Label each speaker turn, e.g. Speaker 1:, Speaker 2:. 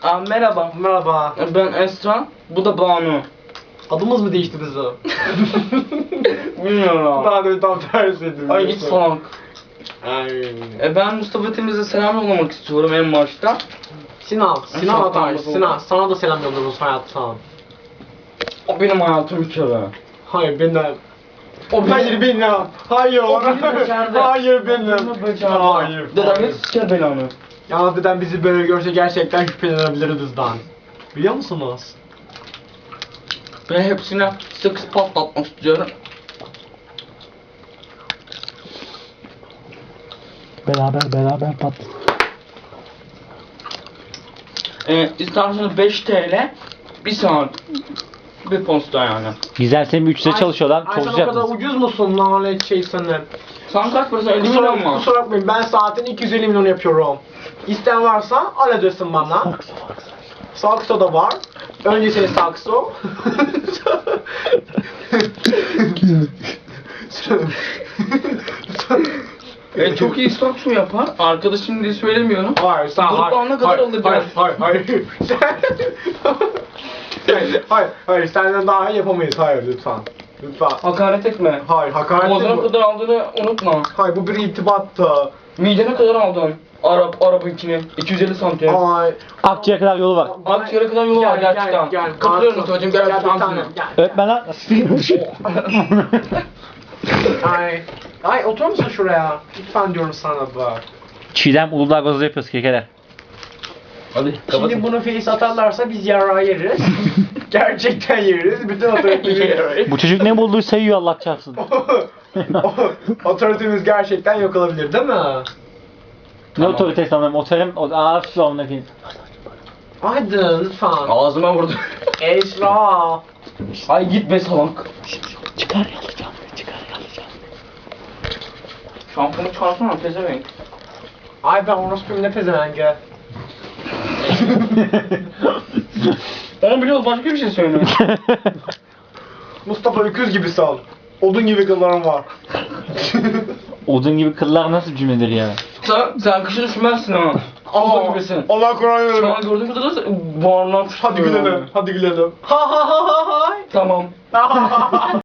Speaker 1: Merhaba.
Speaker 2: Merhaba.
Speaker 1: Ben Esra. Bu da Banu.
Speaker 2: Adımız mı değişti bizim?
Speaker 1: Bilmiyorum.
Speaker 2: Ben de tam tersiydim.
Speaker 1: Ay git salak.
Speaker 2: Ay.
Speaker 1: Ben Mustafa Temiz'e selam yollamak istiyorum en başta.
Speaker 2: Sinan
Speaker 1: Çok
Speaker 2: Atar.
Speaker 1: memnun
Speaker 2: Sinan,
Speaker 1: oldum.
Speaker 2: sana da selam yolluyoruz hayatım.
Speaker 1: O benim hayatım bir kere.
Speaker 2: Hayır benim.
Speaker 1: O
Speaker 2: Hayır benim. Hayır.
Speaker 1: O beni becerdi.
Speaker 2: Hayır benim.
Speaker 1: O beni becerdi.
Speaker 2: Hayır.
Speaker 1: Dedem
Speaker 2: hayır.
Speaker 1: hiç siker belanı.
Speaker 2: Yalnız dedem bizi böyle görse gerçekten şüphelenebilir bizden. Biliyor musunuz?
Speaker 1: Ben hepsine sıkı patlatmak istiyorum.
Speaker 3: Beraber pat.
Speaker 1: İsterseniz 5 TL 1 saat bir posta yani.
Speaker 3: Güzel, senin 3'te çalışıyorlar.
Speaker 2: Ay
Speaker 3: Çok
Speaker 2: sen o
Speaker 3: sıcak.
Speaker 2: kadar ucuz musun lanet şey senin?
Speaker 1: Sen kaç para 50 milyon mu?
Speaker 2: Kusura bakmayın ben saatin 250 milyon yapıyorum. İsteyen varsa al ödesin bana. Sakso da var. Öncesinde sakso.
Speaker 1: Çok iyi sakso yapar. Arkadaşım diye söylemiyorum.
Speaker 2: Hayır, sen
Speaker 1: Gruptan ne kadar alacağız?
Speaker 2: Hayır, senden daha iyi yapamayız. Hayır, lütfen. Lütfen.
Speaker 1: Hakaret etme.
Speaker 2: Hayır, hakaret
Speaker 1: Boğazına
Speaker 2: mi?
Speaker 1: kadar aldığını unutma.
Speaker 2: Hayır, bu bir irtibattı.
Speaker 1: Midene kadar aldın. Araba içine. 250 santim.
Speaker 2: Ay.
Speaker 3: Akçaya kadar yolu var.
Speaker 1: Akciğere kadar yolu var gerçekten. Katılıyorum Mustafa'cığım, gel
Speaker 2: bir
Speaker 1: öpeceğim
Speaker 2: tanem,
Speaker 1: seni.
Speaker 2: gel.
Speaker 3: Öğretmenler.
Speaker 2: Ay. Ay, otur musun şuraya? Lütfen diyorum sana bak.
Speaker 3: Çiğdem Uludağ gazı yapıyoruz kekeler.
Speaker 1: Hadi
Speaker 2: Şimdi bunu face atarlarsa biz yarağı yeriz. Gerçekten yeriz. Bütün otoritemiz...
Speaker 3: Bu çocuk ne bulduğu sayıyor, Allah çarpsın.
Speaker 2: Otoritemiz gerçekten yok olabilir değil mi?
Speaker 3: Ne otoritesi anlamı? Otelim, ağır onunla diyeyim.
Speaker 2: Hadi lütfen.
Speaker 1: Ağzıma vurdu.
Speaker 2: Esra.
Speaker 1: Ay git be salak.
Speaker 3: Çıkar yalayacağım, çıkar yalayacağım.
Speaker 1: Şampiyonu çağırsana pezevenk.
Speaker 2: Ay ben orospuyum ne pezevenge.
Speaker 1: Onu biliyoruz, başka bir şey söyle.
Speaker 2: Mustafa öküz gibi sal. Odun gibi kıllarım var.
Speaker 3: Odun gibi kıllar nasıl cümledir ya?
Speaker 1: Sen kışın üşümezsin ha. Ağzı gibisin.
Speaker 2: Allah Kur'an
Speaker 1: Şu
Speaker 2: yürü.
Speaker 1: an gördüğüm kadarıyla bağırlan
Speaker 2: Hadi gülelim. Hadi gülelim. Ha ha ha ha ha.
Speaker 1: Tamam.